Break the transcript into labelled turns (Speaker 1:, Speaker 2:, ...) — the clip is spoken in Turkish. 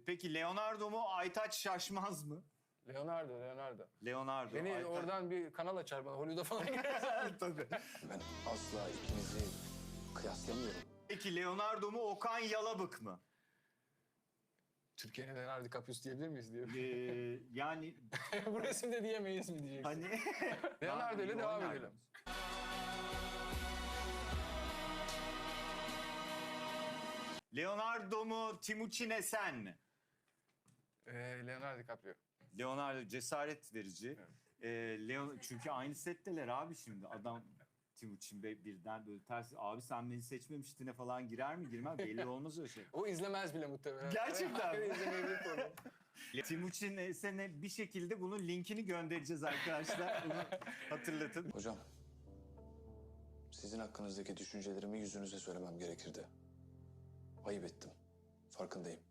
Speaker 1: Peki Leonardo mu Aytaç Şaşmaz mı?
Speaker 2: Leonardo.
Speaker 1: Leonardo.
Speaker 2: Beni
Speaker 1: Aytaç...
Speaker 2: oradan bir kanal açar bana. Hollywood'a falan girer.
Speaker 1: Tabii.
Speaker 3: Ben asla ikinizi kıyaslamıyorum.
Speaker 1: Peki Leonardo mu Okan Yalabık mı?
Speaker 2: Türkiye'nin Leonardo DiCaprio'su diyebilir miyiz diyor.
Speaker 1: Yani
Speaker 2: Bu resimde diyemeyiz mi diyeceksin.
Speaker 1: hani...
Speaker 2: Leonardo ile devam edelim.
Speaker 1: Leonardo mu Timuçin Esen mi?
Speaker 2: Leonardo DiCaprio.
Speaker 1: Leonardo cesaret verici. Çünkü aynı setteler abi şimdi. Adam Timuçin Bey birden böyle ters. Abi sen beni seçmemiştine falan girer mi girmez belli olmaz öyle şey.
Speaker 2: O izlemez bile muhtemelen.
Speaker 1: Gerçekten mi?
Speaker 2: İzlemeyebilir konu.
Speaker 1: Timuçin Esen'e bir şekilde bunun linkini göndereceğiz arkadaşlar. Bunu hatırlatın.
Speaker 3: Hocam, sizin hakkınızdaki düşüncelerimi yüzünüze söylemem gerekirdi. Ayıp ettim. Farkındayım.